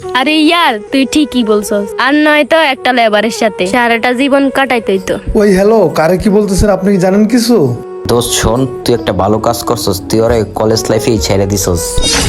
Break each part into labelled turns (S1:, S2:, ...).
S1: আরে ইয়ার তুই ঠিকই বলছস, আর নয়তো একটা লেবারের সাথে সারাটা জীবন কাটাইতেই তো।
S2: ওই হ্যালো, কারে কি বলতেছেন আপনি কি জানেন কিছু?
S3: দোস্ত শোন, তুই একটা ভালো কাজ করছস, তুই ওরে কলেজ লাইফেই ছেড়ে দিছস।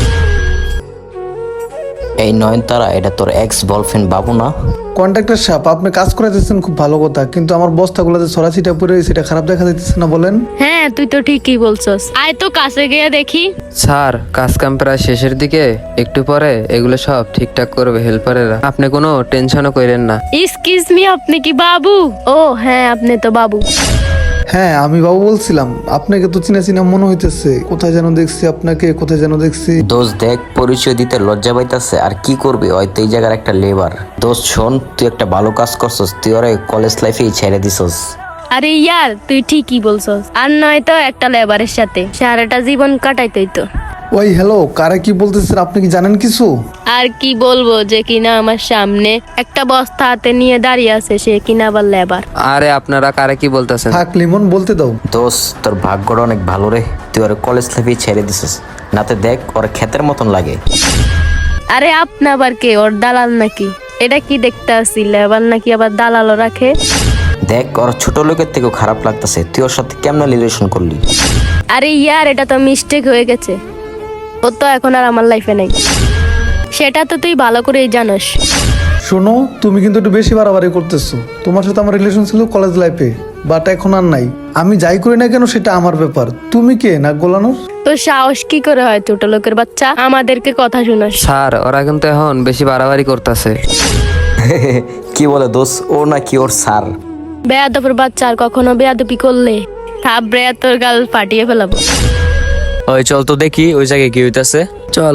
S3: এই নয়নতারা, এটা তোর এক্স বয়ফ্রেন্ড বাবু না?
S2: কন্ট্রাক্টর সাহেব, আপনি কাজ করে দিচ্ছেন খুব ভালো কথা, কিন্তু আমার বস্তাগুলোতে ছড়াছিটা পড়ে সেটা খারাপ দেখা দিতেছে না বলেন?
S1: হ্যাঁ তুই তো ঠিকই বলছস, আয় তো কাছে গিয়ে দেখি।
S4: স্যার, কাজ কাম প্রায় শেষের দিকে, একটু পরে এগুলো সব ঠিকঠাক করবে হেল্পারেরা, আপনি কোনো টেনশনও করেন না।
S1: এক্সকিউজ মি, আপনি কি বাবু? ও হ্যাঁ, আপনি তো বাবু।
S2: হ্যাঁ আমি বাবু বলছিলাম, আপনাকে তো চিনা চিনা মনে হইতেছে, কোথায় যেন দেখছি আপনাকে, কোথায় যেন দেখছি।
S3: দোস্ত দেখ, পরিচয় দিতে লজ্জা পাইতাছে, আর কি করবি, হয়তো এই জায়গার একটা লেবার। দোস্ত শোন, তুই একটা ভালো কাজ করছস, তুই ওরে কলেজ লাইফেই ছেড়ে দিছস।
S1: আরে ইয়ার তুই ঠিকই বলছস, আর নয়তো একটা লেবারের সাথে সারাটা জীবন কাটাইতেই তো।
S2: ওই হ্যালো, কারে কি বলতেছেন আপনি কি জানেন কিছু?
S1: আর কি বলবো, যে কিনা আমার সামনে একটা বস্তা হাতে নিয়ে দাঁড়িয়ে আছে, সে কিনা আবার লেবার।
S4: আরে আপনারা কারে কি বলতেছেন?
S2: থাক লিমন, বলতে দাও।
S3: দোস্ত তোর ভাগ্যটা অনেক ভালো রে, তুই ওরে কলেজ লাইফেই ছেড়ে দিছস, নাতে দেখ ওর ক্ষেতের মতন লাগে।
S1: আরে আপনি আবার কে, ওর দালাল নাকি? এটা কি দেখতে আসি, লেবার নাকি আবার দালালও রাখে?
S3: দেখ ওর ছোট লোকের থেকেও খারাপ লাগতেছে, তুই ওর সাথে কেমন রিলেশন করলি?
S1: আরে ইয়ার, এটা তো মিস্টেক হয়ে গেছে, ও তো এখন আর আমার লাইফে নেই, সেটা তো তুই ভালো করেই জানোস।
S2: শোনো, তুমি কিন্তু একটু বেশি বাড়াবাড়ি করতেছো। তোমার সাথে আমার রিলেশন ছিল কলেজ লাইফে, বাট এখন আর নাই। আমি যাই করি না কেন সেটা আমার ব্যাপার, তুমি কে নাক গলানোর?
S1: তোর সাহস কি করে হয়, ছোট লোকের বাচ্চা, আমাদেরকে কথা শুনাস?
S4: স্যার, ওরা কিন্তু এখন বেশি বাড়াবাড়ি করতেছে।
S3: কি বলে দোস্ত, ও নাকি ওর স্যার?
S1: বেয়াদবের বাচ্চা, আর কখনো বেয়াদবি করলে থাপড়ে তোর গাল ফাটিয়ে ফেলাবো।
S5: ওই চল তো দেখি ওই জায়গায় কি হইতাছে।
S4: চল।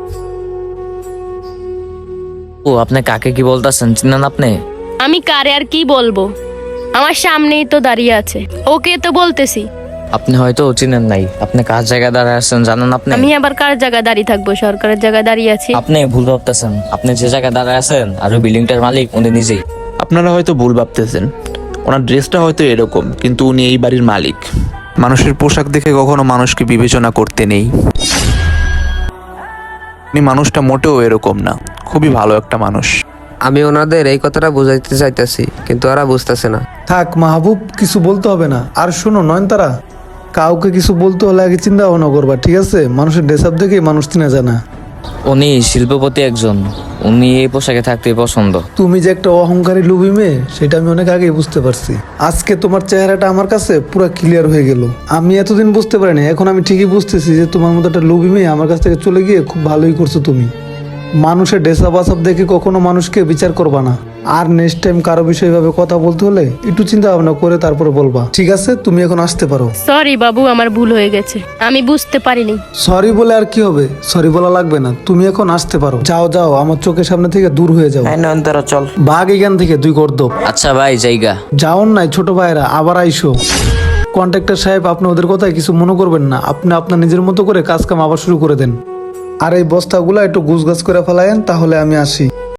S5: ও আপনি কাকে কি বলতাছেন, চিনেন আপনি?
S1: আমি কারে আর কি বলবো, আমার সামনেই তো দাঁড়িয়ে আছে, ওকে তো বলতেছি।
S5: আপনি হয়তো চিনেন নাই, আপনি কার জায়গায় দাঁড়ায় আছেন জানেন আপনি?
S1: আমি আবার কার জায়গায় দাঁড়িয়ে থাকবো, সরকারের জায়গায় দাঁড়িয়ে আছি।
S5: আপনি ভুল ভাবতেছেন, আপনি যে জায়গায় দাঁড়ায় আছেন আর ওই বিল্ডিংটার মালিক উনি নিজেই।
S6: আপনারা হয়তো ভুল ভাবতেছেন, ওনার ড্রেসটা হয়তো এরকম, কিন্তু উনি এই বাড়ির মালিক। মানুষের পোশাক দেখে কখনো মানুষকে বিবেচনা করতে নেই। উনি মানুষটা মোটেও এরকম না, খুবই ভালো একটা মানুষ।
S4: আমি ওনাদের এই কথাটা বুঝাইতে চাইতেছি, কিন্তু ওরা বুঝতেছে না।
S2: থাক মাহবুব, কিছু বলতে হবে না। আর শোনো নয়নতারা, কাউকে কিছু বলতে হলে আগে চিন্তা ভাবনা করবা, ঠিক আছে? মানুষের ড্রেস আপ দেখে মানুষ চিনা যায় না।
S5: উনি শিল্পপতি একজন, উনি এই পোশাকে থাকতে পছন্দ।
S2: তুমি যে একটা অহংকারী লুবি মেয়ে, সেটা আমি অনেক আগেই বুঝতে পারছি। আজকে তোমার চেহারাটা আমার কাছে পুরো ক্লিয়ার হয়ে গেল। আমি এতদিন বুঝতে পারিনি, এখন আমি ঠিকই বুঝতেছি যে তোমার মতো একটা লুবি মেয়ে আমার কাছ থেকে চলে গিয়ে খুব ভালোই করছো তুমি। মানুষের ড্রেস আপ দেখে কখনো মানুষকে বিচার করবা না। আর নেক্সট টাইম কারো বিষয়ে ভাবে কথা বলতে হলে একটু চিন্তা ভাবনা করে তারপরে বলবা, ঠিক আছে? তুমি এখন আসতে পারো।
S1: সরি বাবু, আমার ভুল হয়ে গেছে, আমি বুঝতে পারিনি।
S2: সরি বলে আর কি হবে, সরি বলা লাগবে না, তুমি এখন আসতে পারো। যাও যাও, আমার চোখের সামনে থেকে দূর হয়ে যাও।
S3: হ্যাঁ নয়নতারা চল।
S2: ভাগ এখান থেকে, দুই গর্দব।
S5: আচ্ছা ভাই জায়গা।
S2: যাওন নাই ছোট ভাইরা, আবার আইসো। কন্ট্রাক্টর সাহেব, আপনি ওদের কথায় কিছু মনে করবেন না, আপনি আপনার নিজের মতো করে কাজ কাম আবার শুরু করে দেন। আর এই বস্তাগুলো একটু গুছগাছ করে ফেলায়েন, তাহলে আমি আসি।